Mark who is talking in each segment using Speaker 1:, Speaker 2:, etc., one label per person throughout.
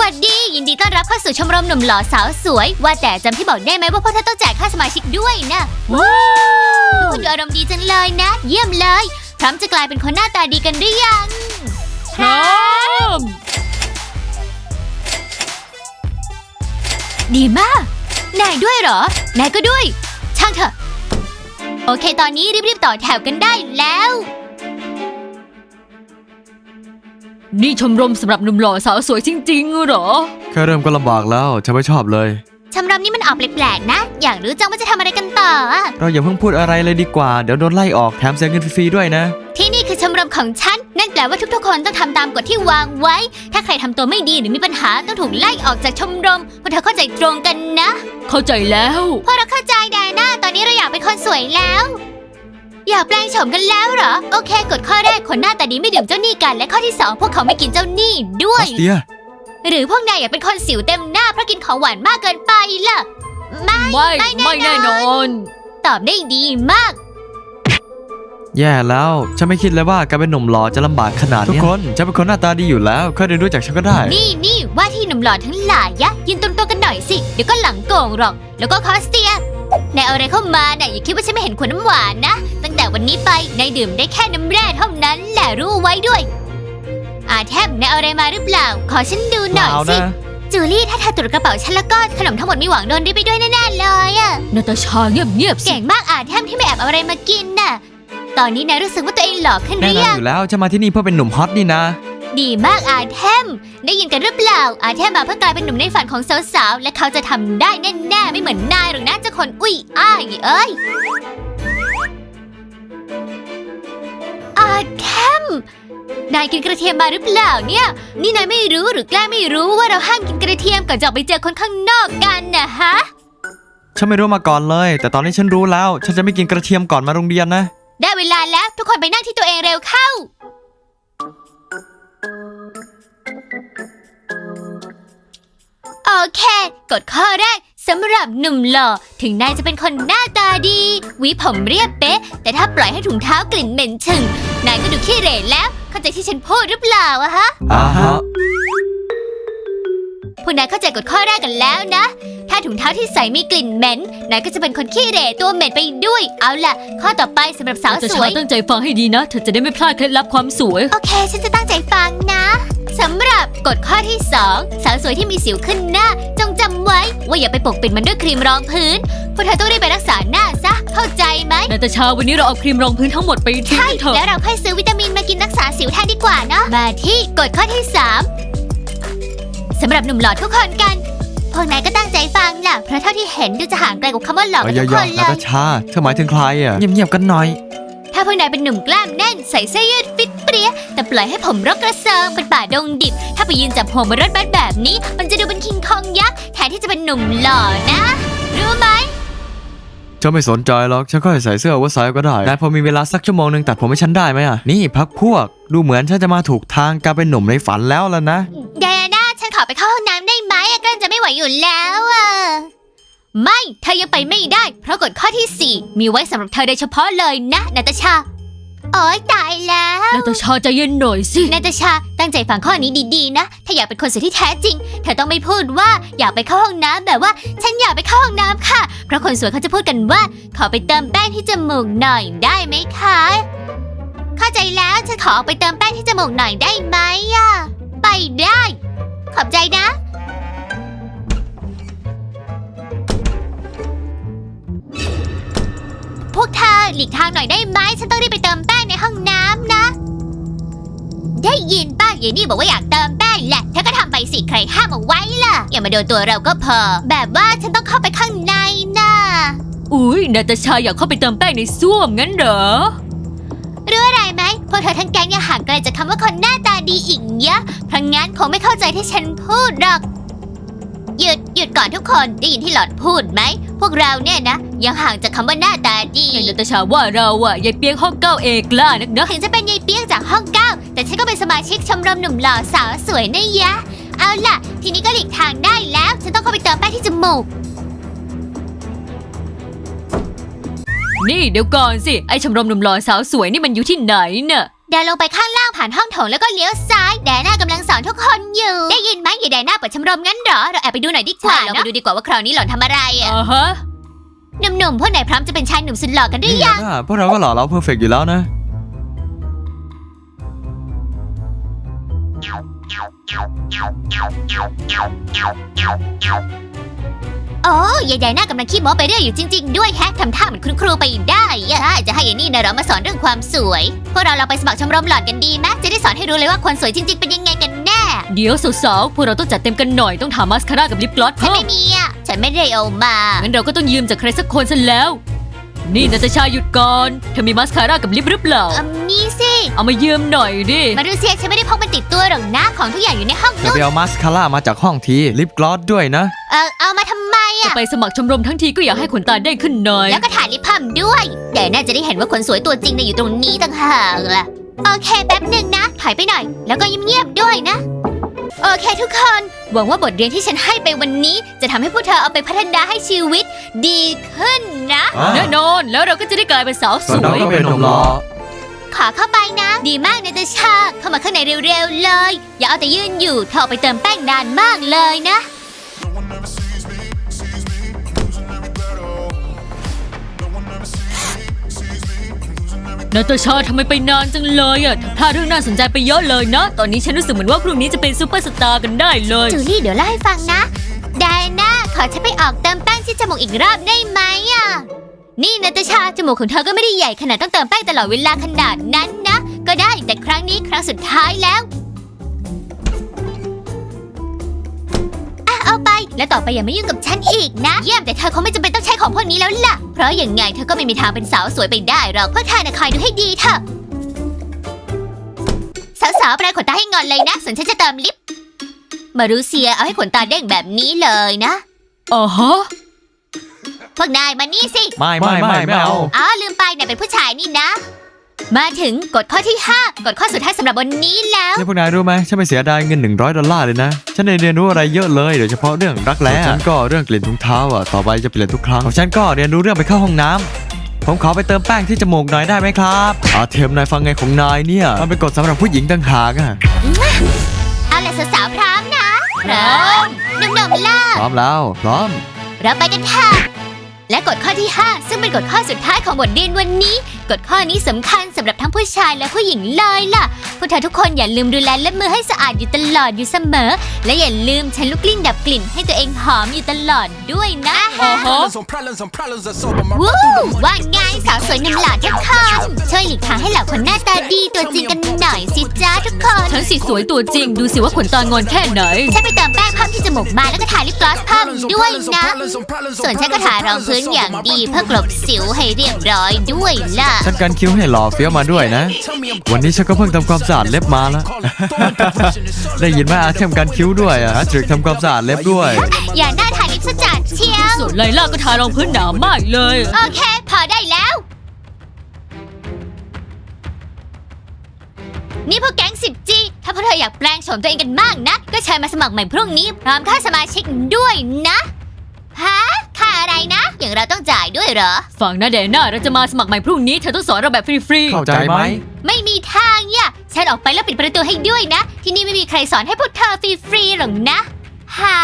Speaker 1: วัสดียินดีต้อนรับเข้าสู่ชมรมหนุ่มหล่อสาวสวยว่าแต่จำที่บอกได้ไหมว่าพวกเธอต้องจ่ายค่าสมาชิกด้วยนะว้าวทุกคนดูอารมณ์ดีจังเลยนะเยี่ยมเลยพร้อมจะกลายเป็นคนหน้าตาดีกันหรือยัง
Speaker 2: พร้อม
Speaker 1: ดีมากนายด้วยเหรอนายก็ด้วยช่างเถอะโอเคตอนนี้รีบๆต่อแถวกันได้แล้ว
Speaker 2: นี่ชมรมสำหรับหนุ่มหล่อสาวสวยจริงๆเหรอ
Speaker 3: แค่เริ่มก็ลำบากแล้วฉันไม่ชอบเลย
Speaker 1: ชมรมนี้มันออกแปลกๆนะอยากรู้จังว่าจะทำอะไรกันต่อ
Speaker 3: เราอย่าเพิ่งพูดอะไรเลยดีกว่าเดี๋ยวโดนไล่ออกแถมเสียเงินฟรีๆด้วยนะ
Speaker 1: ที่นี่คือชมรมของฉันนั่นแปลว่าทุกๆคนต้องทำตามกฎที่วางไว้ถ้าใครทำตัวไม่ดีหรือมีปัญหาต้องถูกไล่ออกจากชมรมพวกเธอเข้าใจตรงกันนะ
Speaker 2: เข้าใจแล้ว
Speaker 1: พวกเราเข้าใจแดน่าตอนนี้เราอยากเป็นคนสวยแล้วอยากแปลงโฉมกันแล้วเหรอโอเคกฎข้อแรกคนหน้าตาดีไม่ดื่มเจ้าหนี้กันและข้อที่2พวกเขาไม่กินเจ้าหนี้ด้วยหรือพวกนายอยากเป็นคนสิวเต็มหน้าเพราะกินของหวานมากเกินไปล่ะ
Speaker 2: ไม่แน่นอน
Speaker 1: ตอบได้ดีมาก
Speaker 3: แย่แล้วฉันไม่คิดเลยว่าการเป็นหนุ่มหล่อจะลำบากขนาดนี้ทุกคนฉันเป็นคนหน้าตาดีอยู่แล้วค่อยเรียนรู้จากฉันก็ได้
Speaker 1: นี่ว่าที่หนุ่มหล่อทั้งหลายยะยืนตรงๆกันหน่อยสิเดี๋ยวก็หลังโก่งหรอกแล้วก็คอสเตียนายเอาอะไรเข้ามาน่ะอย่าคิดว่าฉันไม่เห็นขวดน้ำหวานนะตั้งแต่วันนี้ไปนายดื่มได้แค่น้ำแร่เท่านั้นแหละรู้ไว้ด้วยแทบนายเอาอะไรมาหรือเปล่าขอฉันดูหน่อยสิจูลี่ถ้าเธอตรวจกระเป๋าฉันแล้วก็ขนมทั้งหมดมีหวังโดนริบไปด้วยแน่ๆเลยอะ
Speaker 2: นาตาชาเงียบ
Speaker 1: เก่งมากแทบที่ไม่แอบเอาอะไรมากินน่ะตอนนี้นายรู้สึกว่าตัวเองหล่อขึ้นหรือยัง
Speaker 3: อยู่แล้วจะมาที่นี่เพื่อเป็นหนุ่มฮอตนี่นะ
Speaker 1: ดีมากแทมได้ยินกันหรือเปล่าแทมมาเพื่อกลายเป็นหนุ่มในฝันของสาวๆและเขาจะทำได้แน่ๆไม่เหมือนนายหรอกนะเจ้าคนอุ้ยเอ้ยแทมนายกินกระเทียมมาหรือเปล่าเนี่ยนี่นายไม่รู้หรือแกล้งไม่รู้ว่าเราห้ามกินกระเทียมก่อนจะออกไปเจอคนข้างนอกกันนะฮะ
Speaker 3: ฉันไม่รู้มาก่อนเลยแต่ตอนนี้ฉันรู้แล้วฉันจะไม่กินกระเทียมก่อนมาโรงเรียนนะ
Speaker 1: ได้เวลาแล้วทุกคนไปนั่งที่ตัวเองเร็วเข้าโอเคกฎข้อแรกสำหรับหนุ่มหล่อถึงนายจะเป็นคนหน้าตาดีหวีผมเรียบเป๊ะแต่ถ้าปล่อยให้ถุงเท้ากลิ่นเหม็นฉึ่งนายก็ดูขี้เหร่แล้วเข้าใจที่ฉันพูดหรือเปล่าฮะพวกนายเข้าใจกฎข้อแรกกันแล้วนะถ้าถุงเท้าที่ใส่มีกลิ่นเหม็นนายก็จะเป็นคนขี้เหร่ตัวเหม็นไปด้วยเอาล่ะข้อต่อไปสำหรับสาวสวย
Speaker 2: ตั้งใจฟังให้ดีนะเธอจะได้ไม่พลาดเคล็ดลับความสวย
Speaker 1: โอเคฉันจะตั้งใจฟังนะสำหรับกฎข้อที่2สาวสวยที่มีสิวขึ้นหน้าจงจำไว้ว่าอย่าไปปกปิดมันด้วยครีมรองพื้นพวกเธอต้องรีบไปรักษาหน้าซะเข้าใจไหม
Speaker 2: นาตาชาวันนี้เราเอาครีมรองพื้นทั้งหมดไปทิ้งเถอะ
Speaker 1: แล้วเราค่อยซื้อวิตามินมากินรักษาสิวแทนดีกว่าเนาะมาที่กฎข้อที่3สำหรับหนุ่มหล่อทุกคนกันพวกนายก็ตั้งใจฟังล่ะเพราะเท่าที่เห็นดูจะห่างไกลกับคำว่าหล่อกันทุกคนเลย
Speaker 3: นาตาชาเธอหมายถึงใครอ่ะเงียบๆกันหน่อย
Speaker 1: ถ้าพวกนายเป็นหนุ่มกล้ามแน่นใส่เสื้อยืดฟิตเปรี้ยแต่ปล่อยให้ผมรกกระเซิงเป็นป่าดงดิบถ้าไปยืนจับหัวบนรถบัสแบบนี้มันจะดูเป็นคิงคองยักษ์แทนที่จะเป็นหนุ่มหล่อนะรู้ไหม
Speaker 3: ฉันไม่สนใจหรอกฉันก็ใส่เสื้อว่าไซส์ก็ได้นายพอมีเวลาสักชั่วโมงนึงตัดผมให้ฉันได้ไหมอ่ะนี่พักพวกดูเหมือนฉันจะมาถูกทางการเป็นหนุ่มในฝันแล้วล่ะนะ
Speaker 1: ไดอาน่าฉันขอไปเข้าห้องน้ำได้ไหมกลั้นจะไม่ไหวอยู่แล้วไม่เธอยังไปไม่ได้เพราะกฎข้อที่4มีไว้สำหรับเธอโดยเฉพาะเลยนะนาตาชาโอ๊ยตายแล้ว
Speaker 2: นาตาชาใจเย็นหน่อยสิ
Speaker 1: นาตาชาตั้งใจฟังข้อนี้ดีๆนะถ้าอยากเป็นคนสวยที่แท้จริงเธอต้องไม่พูดว่าอยากไปเข้าห้องน้ำแบบว่าฉันอยากไปเข้าห้องน้ำค่ะเพราะคนสวยเขาจะพูดกันว่าขอไปเติมแป้งที่จมูกหน่อยได้ไหมคะเข้าใจแล้วฉันขอไปเติมแป้งที่จมูกหน่อยได้ไหมไปได้ขอบใจนะพวกเธอหลีกทางหน่อยได้ไหมฉันต้องรีบไปเติมแป้งในห้องน้ำนะได้ยินป้าเยนี่บอกว่าอยากเติมแป้งแหละเธอก็ทำไปสิใครห้ามเอาไว้ล่ะอย่ามาโดนตัวเราก็พอแบบว่าฉันต้องเข้าไปข้างในนะ
Speaker 2: อุ๊ยนาตาชาอยากเข้าไปเติมแป้งในส้วมงั้นเหรอ
Speaker 1: รู้อะไรไหมพวกเธอทั้งแก๊งยังห่างไกลจากคำว่าคนหน้าตาดีอีกเยอะเพราะงั้นคงไม่เข้าใจที่ฉันพูดหรอกหยุดก่อนทุกคนได้ยินที่หลอดพูดไหมพวกเราเนี่ยนะยังห่างจากคำว่าหน้าตาดี
Speaker 2: นาตาชาว่าเรายายเปียงห้อง9เอกล้านักนะ
Speaker 1: ถึงจะเป็นยายเปียงจากห้อง9แต่ฉันก็เป็นสมาชิกชมรมหนุ่มหล่อสาวสวยนะยะเอาล่ะทีนี้ก็หลีกทางได้แล้วฉันต้องเข้าไปเติมแป้งที่จมูก
Speaker 2: นี่เดี๋ยวก่อนสิไอชมรมหนุ่มหล่อสาวสวยนี่มันอยู่ที่ไหนน่ะ
Speaker 1: เดินลงไปข้างล่างผ่านห้องโถงแล้วก็เลี้ยวซ้ายแดน่ากำลังสอนทุกคนอยู่ ได้ยินไหมยายแดน่าเปิดชมรมงั้นเหรอ เราแอบไปดูหน่อยดีกว่าเราไปดูดีกว่าว่าคราวนี้หล่อนทำอะไรอ่ะ
Speaker 2: ฮะ
Speaker 1: หนุ่มๆพวกไหนพร้อมจะเป็นชายหนุ่มสุดหล่อกันหรือยัง
Speaker 3: พวกเราก็หล่อเราเพอร์เฟกต์อยู่แล้วนะ
Speaker 1: โอ้ยายแดน่ากำลังขี้โม้ไปเรื่อยอยู่จริงๆด้วยแฮะทำท่าเหมือนคุณครูไปได้อะใช่จะให้ยายนี่นะเรามาสอนเรื่องความสวยพวกเราไปสมัครชมรมหล่อนกันดีไหมจะได้สอนให้รู้เลยว่าคนสวยจริงๆเป็นยังไงกันแน่
Speaker 2: เดี๋ยวสาวๆพวกเราต้องจัดเต็มกันหน่อยต้องทามาสคาร่ากับลิปกลอส
Speaker 1: ฉัน
Speaker 2: เพิ่ม
Speaker 1: ไม่มีอ่ะฉันไม่ได้เอามา
Speaker 2: งั้นเราก็ต้องยืมจากใครสักคนซะแล้ว นี่นาตาชาหยุดก่อนเธอมีมาสคาร่ากับลิปหรือเปล่า
Speaker 1: นี่สิ
Speaker 2: เอามายืมหน่อยดิ
Speaker 1: มาดูเสียฉันไม่ได้พกมันติดตัวหรอกนะของทุกอย่างอยู่ในห้อง
Speaker 3: จะ
Speaker 1: นู้น
Speaker 3: ไปเอามาสคาร่ามาจากห้องทีลิปกลอสด้วยนะ
Speaker 1: เอามาทำไม
Speaker 2: จะ
Speaker 1: อ่ะ
Speaker 2: ไปสมัครชมรมทั้งทีก็อยากให้ขนตาเด้งขึ้นหน่อย
Speaker 1: แล้วก็ถ่ายลิปพัมด้วยแต่น่าจะได้เห็นว่าคนสวยตัวจริงอยู่ตรงนี้ต่างหากล่ะโอเคแป๊บหนึ่งนะถอยไปหน่อยแล้วก็เงียบๆด้วยนะโอเคทุกคนหวังว่าบทเรียนที่ฉันให้ไปวันนี้จะทำให้พวกเธอเอาไปพัฒนาให้ชีวิตดีขึ้นนะ
Speaker 2: แน่นอนแล้วเราก็จะได้กลายเป็นสาวส
Speaker 3: ส่วน
Speaker 2: ว
Speaker 3: เรา
Speaker 2: ย
Speaker 3: ก็เป็นหนุ่มหล่อ
Speaker 1: ขอเข้าไปนะ ดีมากนาตาชาเข้ามาข้างในเร็วๆเลย อย่าเอาแต่ยืนอยู่เธอออกไปเติมแป้งนานมากเลยนะ
Speaker 2: นาตาชาทำไมไปนานจังเลยอ่ะพลาดเรื่องน่าสนใจไปเยอะเลยนะ ตอนนี้ฉันรู้สึกเหมือนว่าพรุ่งนี้จะเป็นซูเปอร์สตาร์กันได้เลย
Speaker 1: จูลี่เดี๋ยวเล่าให้ฟังนะไดน่าขอฉันไปออกเติมแป้งที่จมูกอีกรอบได้ไหมอ่ะ นี่นาตาชาจมูกของเธอก็ไม่ได้ใหญ่ขนาดต้องเติมแป้งตลอดเวลาขนาดนั้นนะ ก็ได้แต่ครั้งนี้ครั้งสุดท้ายแล้วเอาไปแล้วต่อไปอย่ามายุ่งกับฉันอีกนะเยี่ยมแต่เธอคงไม่จำเป็นต้องใช้ของพวกนี้แล้วล่ะเพราะอย่างไงเธอก็ไม่มีทางเป็นสาวสวยไปได้หรอกเพราะเธอน่ะคอยดูให้ดีเถอะสาวๆปลายขนตาให้งอนเลยนะส่วนฉันจะเติมลิปมารูเซียเอาให้ขนตาเด้งแบบนี้เลยนะ
Speaker 2: อ๋อฮะ
Speaker 1: พวกนายมานี่สิ
Speaker 3: ไม่เอา
Speaker 1: อ๋อลืมไปนายเป็นผู้ชายนี่นะ มาถึงกฎข้อที่ 5 กฎข้อสุดท้ายสำหรับวันนี้แล้ว
Speaker 3: นี่พวกนายรู้ไหมฉันไม่เสียดายเงิน$100เลยนะฉันได้เรียนรู้อะไรเยอะเลยโดยเฉพาะเรื่องรักแร้ฉันก็เรื่องกลิ่นถุงเท้าอ่ะต่อไปจะเปลี่ยนทุกครั้งของฉันก็เรียนรู้เรื่องไปเข้าห้องน้ำผมขอไปเติมแป้งที่จมูกหน่อยได้ไหมครับเทมนายฟังไงของนายเนี่ยมันเป็นกฎสำหรับผู้หญิงต่างหากอ่ะ
Speaker 1: เอาล่ะสาวๆพร้อมนะพร้อมหนุ่มๆล่ะ
Speaker 3: พร้อมแล้วพร้อม
Speaker 1: เราไปกันค่ะและกฎข้อที่ 5 ซึ่งเป็นกฎข้อสุดท้ายของบทเรียนวันนี้กฎข้อนี้สำคัญสำหรับทั้งผู้ชายและผู้หญิงเลยล่ะพวกเธอทุกคนอย่าลืมดูแลเล็บมือให้สะอาดอยู่ตลอดอยู่เสมอ และอย่าลืมใช้ลูกกลิ้งดับกลิ่นให้ตัวเองหอมอยู่ตลอดด้วยนะ
Speaker 2: อ๋อฮะ
Speaker 1: วู้ว่าไงสาวสวยหนุ่มหล่อทุกคนช่วยหลีกทางให้เหล่าคนหน้าตาดีตัวจริงกันหน่อยสิจ้าทุกคน
Speaker 2: ฉันสิสวยตัวจริงดูสิว่าขนตางอนแค่ไหน
Speaker 1: ฉันไปเติมแป้งเพิ่มที่จมูกมาแล้วก็ทาลิปกลอสเพิ่มด้วยนะ ส่วนฉันก็ทารองพื้นอย่างดีเพื่อกลบสิวให้เรียบร้อยด้วยล่ะ
Speaker 3: ฉันกันคิ้วให้หล่อเฟี้ยวมาด้วยนะ วันนี้ฉันก็เพิ่งทำความสะอาดเล็บมาแล้ว ได้ยินไหมเทมกันคิ้วด้วยทริกทำความสะอาดเล็บด้วย
Speaker 1: อย่าหน้าทาลิปซะจัดเชียว
Speaker 2: ส่วนไลล่าก็ทารองพื้นหนามากเลย
Speaker 1: โอเค พอได้แล้ว นี่พวกแก๊ง 10G ถ้าพวกเธออยากแปลงโฉมตัวเองกันมากนะก็เชิญมาสมัครใหม่พรุ่งนี้พร้อมค่าสมาชิกด้วยนะฮะค่าอะไรนะ อย่างเราต้องจ่ายด้วยเหรอ
Speaker 2: ฝั่งนาเดน่าเราจะมาสมัครใหม่พรุ่งนี้เธอต้องสอนเราแบบฟรี
Speaker 3: เข้าใจไหม
Speaker 1: ไม่มีทางเนี่ยฉันออกไปแล้วปิดประตูให้ด้วยนะ ที่นี่ไม่มีใครสอนให้พวกเธอฟรีๆหรอกนะหา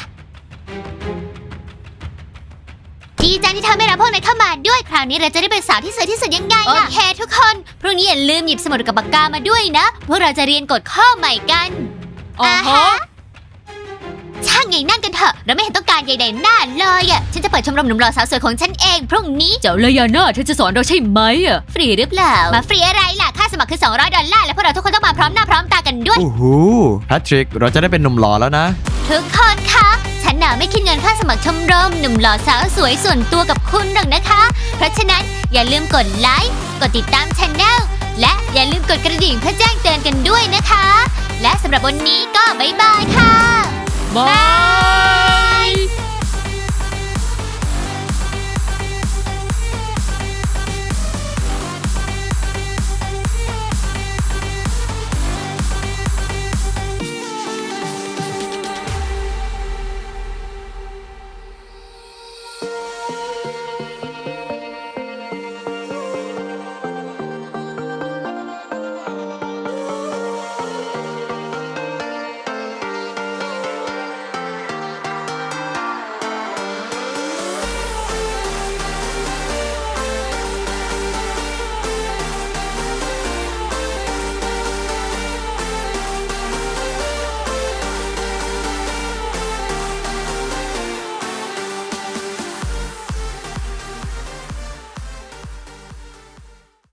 Speaker 1: ดีจังที่เธอไม่รับพวกนายเข้ามาด้วยคราวนี้เราจะได้เป็นสาวที่สวยที่สุดยังไงโอเคทุกคนพรุ่งนี้อย่าลืมหยิบสมุดกับปากกามาด้วยนะพวกเราจะเรียนกฎข้อใหม่กัน
Speaker 2: ๆอ๋อฮะ
Speaker 1: ช่างไงนั่นกันเถอะเราไม่เห็นต้องการใยๆหน้าเลยอ่ะฉันจะเปิดชมรมหนุ่มหล่อสาวสวยของฉันเองพรุ่งนี้
Speaker 2: เจ้าเลยาน่าเธอจะสอนเราใช่ไหมอ่ะ
Speaker 1: ฟรีหรือเปล่ามาฟรีอะไรล่ะค่าสมัครคือ$200และพวกเราทุกคนต้องมาพร้อมหน้าพร้อมตากันด้วย
Speaker 3: โอ้โหแพทริกเราจะได้เป็นหนุ่มหล่อแล้วนะ
Speaker 1: ทุกคนคะฉันน่ะไม่คิดเงินค่าสมัครชมรมหนุ่มหล่อสาวสวยส่วนตัวกับคุณหรอกนะคะ เพราะฉะนั้นอย่าลืมกดไลค์กดติดตามช anel และอย่าลืมกดกระดิ่งเพื่อแจ้งเตือนกันด้วยนะคะ และสำหรับวันนี้ก็บ๊ายบายค่ะ
Speaker 2: บาย